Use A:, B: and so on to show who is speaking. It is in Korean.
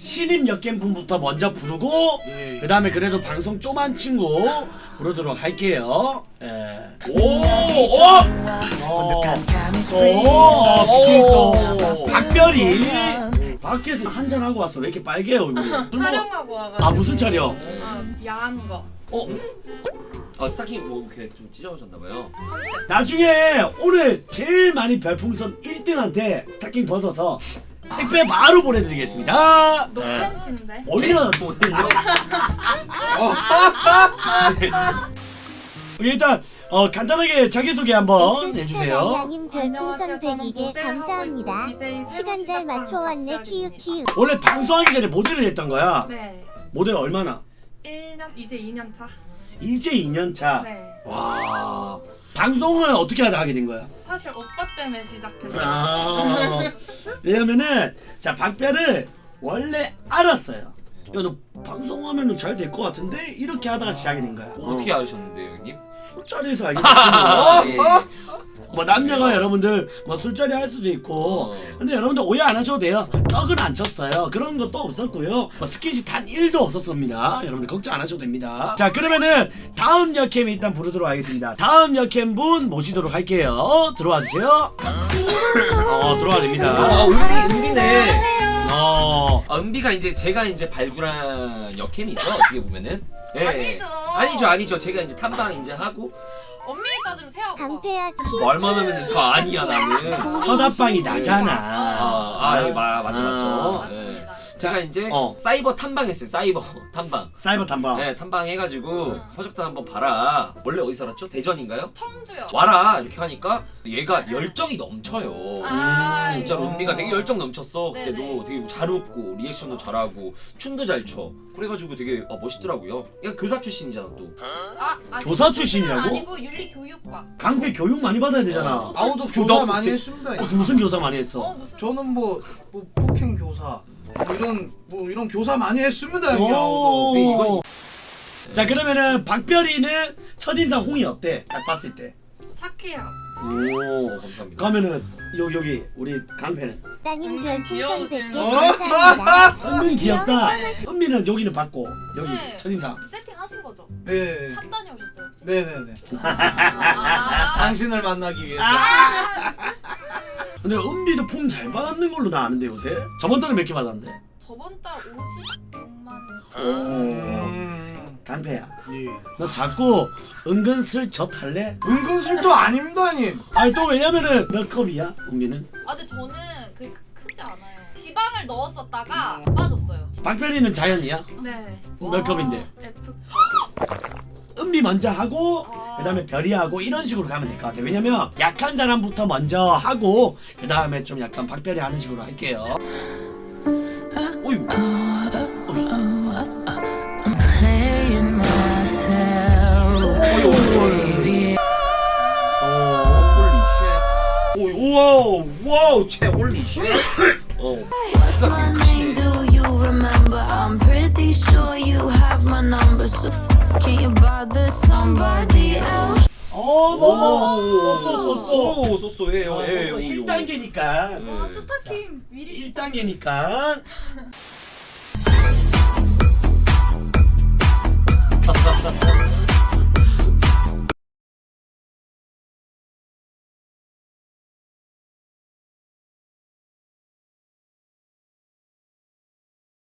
A: 신입 역겜분부터 먼저 부르고 그 다음에 그래도 방송 좀한 친구 부르도록 할게요. 지금 또 박별이 밖에서 한잔 하고 왔어. 왜 이렇게 빨개요 얼굴이?
B: 촬영하고 와가지고.
A: 아 무슨 촬영?
B: 야한 거.
C: 스타킹 뭐 이렇게 좀 찢어졌나봐요.
A: 나중에 오늘 제일 많이 별풍선 1등한테 스타킹 벗어서 택배 바로 보내드리겠습니다.
B: 노팬티인데.
A: 얼마나 일단 간단하게 자기소개 한번 해주세요.
D: 양님 별풍선 100개 감사합니다. 시간 잘 맞춰왔네 키읔키읔.
A: 원래 방송하기 전에 모델을 했던 거야.
B: 네.
A: 모델 얼마나?
B: 1년 이제 2년 차.
A: 이제 2년 차.
B: 네.
A: 와. 방송을 어떻게 하다 하게 된 거야?
B: 사실 오빠 때문에 시작했어요.
A: 왜냐면은 자 박별을 원래 알았어요. 야 너 방송하면은 잘 될 것 같은데 이렇게 하다가 시작이 된 거야.
C: 어떻게 알으셨는데요, 형님?
A: 술자리에서 알게 됐지.
C: 예.
A: 뭐 남녀가 여러분들 뭐 술자리 할 수도 있고 근데 여러분들 오해 안 하셔도 돼요. 떡은 안 쳤어요. 그런 것도 없었고요. 뭐 스킨십 단 1도 없었습니다. 여러분들 걱정 안 하셔도 됩니다. 자 그러면은 다음 역캠 일단 부르도록 하겠습니다. 다음 역캠 분 모시도록 할게요. 들어와 주세요. 들어와 됩니다.
C: 은비네. 은비가 이제 제가 이제 발굴한 역캠이죠. 어떻게 보면은. 네. 아니죠. 제가 이제 탐방 이제 하고.
E: 엄밀히 따지면 새아빠.
D: 강패야
C: 말만 하면 더 아니야 나는.
A: 첫합방이 나잖아.
C: 맞죠.
E: 맞습니다.
C: 제가 이제 사이버 탐방했어요. 사이버 탐방.
A: 사이버 탐방.
C: 네, 탐방해가지고 허적단 한번 봐라. 원래 어디 살았죠? 대전인가요?
E: 청주요.
C: 와라 이렇게 하니까 얘가 열정이 넘쳐요. 진짜 은비가 되게 열정 넘쳤어. 그때도
E: 네네.
C: 되게 잘 웃고 리액션도 잘하고 춤도 잘 춰. 그래가지고 되게 멋있더라고요. 얘가 교사 출신이잖아 또.
A: 교사 출신이라고?
E: 아니고 윤리교육과.
A: 강패 교육 많이 받아야 되잖아.
F: 아우도
C: 교사
F: 교사
C: 없었어요.
F: 많이 했습니다.
A: 무슨 교사 많이 했어?
E: 무슨?
F: 저는 뭐 폭행 교사 뭐 이런 교사 많이 했습니다. 형이
A: 오.
F: 아우도.
A: 자 그러면은 박별이는 첫인상 홍이 어때? 딱 봤을 때.
B: 착해요.
A: 오.
C: 감사합니다.
A: 그러면은 여기 우리 강패는
D: 따님 별풍선
B: 귀여우신
D: 100개 감사합니다.
A: 은빈 귀엽다.
D: 네.
A: 은빈은 여기는 봤고 여기
E: 네.
A: 첫인상.
E: 세팅하신 거죠?
F: 네.
E: 샵 다녀오셨어요 혹시?
F: 네네네.
E: 아.
F: 당신을 만나기 위해서.
A: 근데 은비도 폼 잘 받는 걸로 나 아는데 요새. 저번 달에 몇 개 받았는데.
E: 저번 달 56만.
A: 오. 강패야.
F: 예.
A: 너 자꾸 은근슬쩍 할래?
F: 은근슬도 아닙니다, 형님.
A: 아니 또 왜냐면은 몇 컵이야 은비는?
E: 근데 저는 그렇게 크지 않아요. 지방을 넣었었다가 빠졌어요.
A: 박별이는 자연이야?
B: 네.
A: 몇 컵인데?
B: F컵.
A: 은비 먼저 하고 그다음에 별이 하고 이런 식으로 가면 될 것 같아. 왜냐면 약한 사람부터 먼저 하고 그다음에 좀 약간 박별이 하는 식으로 할게요. 어유.
C: 와우, 쟤 홀리 쉣.
G: My name, do you remember? I'm pretty sure you have my number, so can you bother somebody else?
C: 쏘쏘해요.
A: 1단계니까.
E: 와 스타킹 미리.